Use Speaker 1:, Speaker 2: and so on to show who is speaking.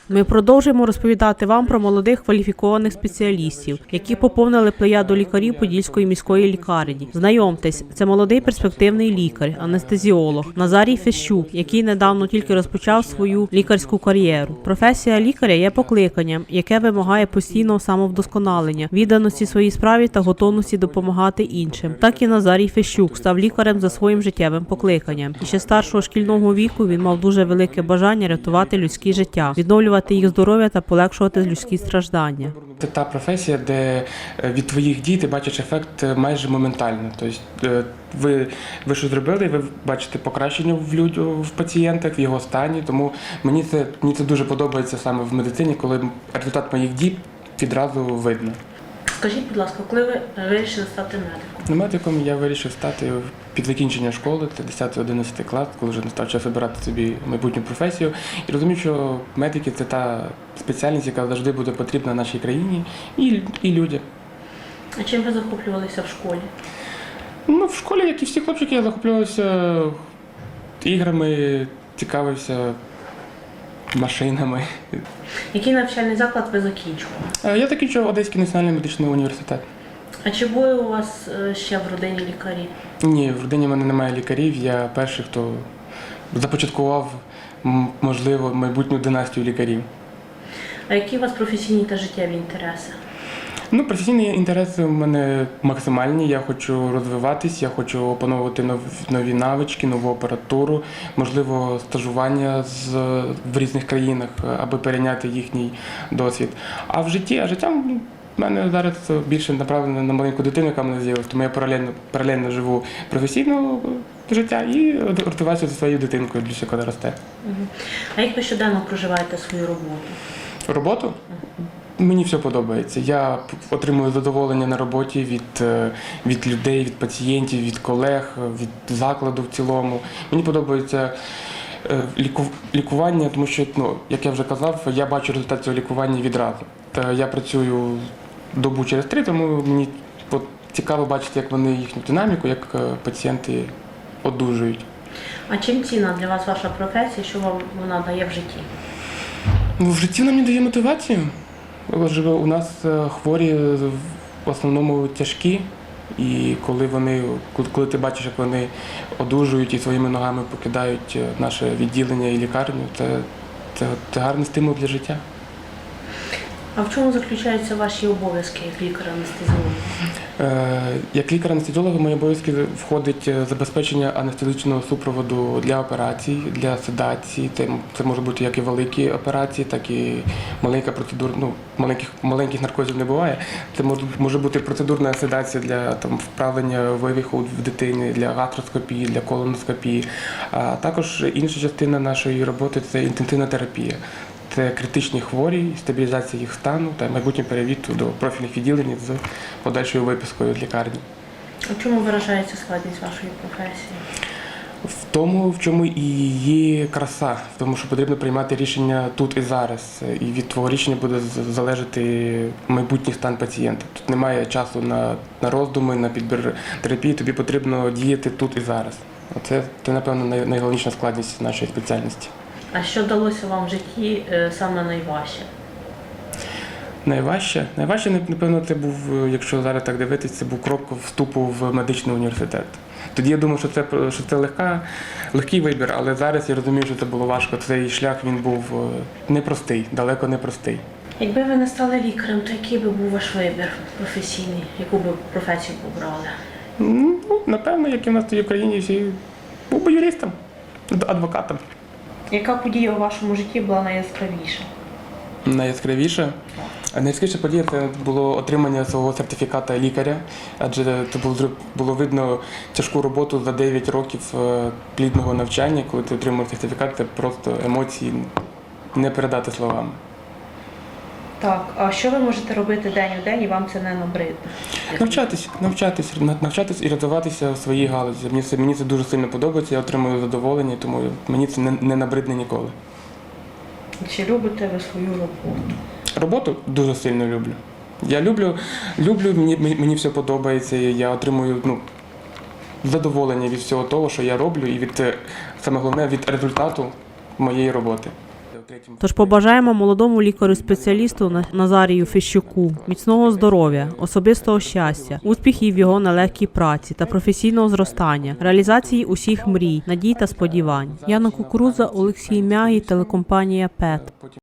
Speaker 1: Ми продовжуємо розповідати вам про молодих кваліфікованих спеціалістів, які поповнили плеяду лікарів Подільської міської лікарні. Знайомтесь, це молодий перспективний лікар, анестезіолог Назарій Фещук, який недавно тільки розпочав свою лікарську кар'єру. Професія лікаря є покликанням, яке вимагає постійного самовдосконалення, відданості своїй справі та готовності допомагати іншим. Так і Назарій Фещук став лікарем за своїм життєвим покликанням. І ще старшого шкільного віку він мав дуже велике бажання рятувати людське життя, відновлювати їх здоров'я та полегшувати людські страждання.
Speaker 2: Це та професія, де від твоїх дій ти бачиш ефект майже моментально. Тобто ви що зробили, ви бачите покращення в пацієнтах, в його стані. Тому мені це дуже подобається саме в медицині, коли результат моїх дій відразу видно.
Speaker 1: Скажіть, будь ласка, коли ви вирішили стати медиком?
Speaker 2: Медиком я вирішив стати під закінчення школи, це 10-11 клас, коли вже настав час обирати собі майбутню професію. І розумію, що медики – це та спеціальність, яка завжди буде потрібна нашій країні і людям.
Speaker 1: А чим ви захоплювалися в школі?
Speaker 2: В школі, як і всі хлопчики, я захоплювався іграми, цікавився машинами.
Speaker 1: Який навчальний заклад ви закінчували?
Speaker 2: Я закінчив Одеський національний медичний університет.
Speaker 1: А чи були у вас ще в родині лікарі?
Speaker 2: Ні, в родині в мене немає лікарів. Я перший, хто започаткував, можливо, майбутню династію лікарів.
Speaker 1: А які у вас професійні та життєві інтереси?
Speaker 2: Професійні інтереси в мене максимальні. Я хочу розвиватись, я хочу опановувати нові навички, нову апаратуру, можливо, стажування в різних країнах, аби перейняти їхній досвід. А життя в мене зараз більше направлено на маленьку дитину, яка в мене з'явилася, тому я паралельно живу професійне життя і розвиваюся зі своєю дитинкою, більше коли росте.
Speaker 1: А як ви щоденно проживаєте свою роботу?
Speaker 2: Роботу? Мені все подобається. Я отримую задоволення на роботі від людей, від пацієнтів, від колег, від закладу в цілому. Мені подобається лікування, тому що, як я вже казав, я бачу результат цього лікування відразу. Я працюю добу через 3, тому мені цікаво бачити, як вони їхню динаміку, як пацієнти одужують.
Speaker 1: А чим цінна для вас ваша професія, що вам вона дає в житті?
Speaker 2: В житті вона мені дає мотивацію. У нас хворі в основному тяжкі, і коли ти бачиш, як вони одужують і своїми ногами покидають наше відділення і лікарню, це гарний стимул для життя.
Speaker 1: А в чому заключаються ваші обов'язки як лікаря-анестезіолога?
Speaker 2: Як лікар-анестезіолога в мої обов'язки входить забезпечення анестезичного супроводу для операцій, для седації. Це може бути як і великі операції, так і маленька процедура. Маленьких наркозів не буває. Це може бути процедурна седація для вправлення вивиху в дитини, для гастроскопії, для колоноскопії. А також інша частина нашої роботи – це інтенсивна терапія. Це критичні хворі, стабілізація їх стану та майбутній перевід до профільних відділень з подальшою випискою з лікарні.
Speaker 1: У чому виражається складність вашої професії?
Speaker 2: В тому, в чому і є краса, в тому, що потрібно приймати рішення тут і зараз. І від твого рішення буде залежати майбутній стан пацієнта. Тут немає часу на роздуми, на підбір терапії, тобі потрібно діяти тут і зараз. Це напевно, найголовніша складність нашої спеціальності.
Speaker 1: А що далося вам в житті саме найважче?
Speaker 2: Найважче, напевно, це був, якщо зараз так дивитися, це був крок вступу в медичний університет. Тоді я думав, що це легкий вибір, але зараз я розумію, що це було важко. Цей шлях, він був непростий, далеко не простий.
Speaker 1: Якби ви не стали лікарем, то який би був ваш вибір професійний? Яку би професію обрали?
Speaker 2: Напевно, як і в нас в Україні всі, був би юристом, адвокатом.
Speaker 1: Яка подія у вашому житті була найяскравіша?
Speaker 2: Найяскравіша? Найяскравіша подія – це було отримання свого сертифіката лікаря, адже це було видно тяжку роботу за 9 років плідного навчання. Коли ти отримуєш сертифікат, це просто емоції не передати словами.
Speaker 1: Так, а що ви можете робити день у день і вам це не набридне?
Speaker 2: Навчатись і розвиватися в своїй галузі. Мені це дуже сильно подобається, я отримую задоволення, тому мені це не набридне ніколи.
Speaker 1: Чи любите ви свою роботу?
Speaker 2: Роботу дуже сильно люблю. Я люблю, мені все подобається, я отримую задоволення від всього того, що я роблю, і саме головне, від результату моєї роботи. третім.
Speaker 1: Тож побажаємо молодому лікарю-спеціалісту Назарію Фещуку міцного здоров'я, особистого щастя, успіхів в його нелегкій праці та професійного зростання, реалізації усіх мрій, надій та сподівань. Яна Кукурудза, Олексій Мягі, телекомпанія ПЕТ.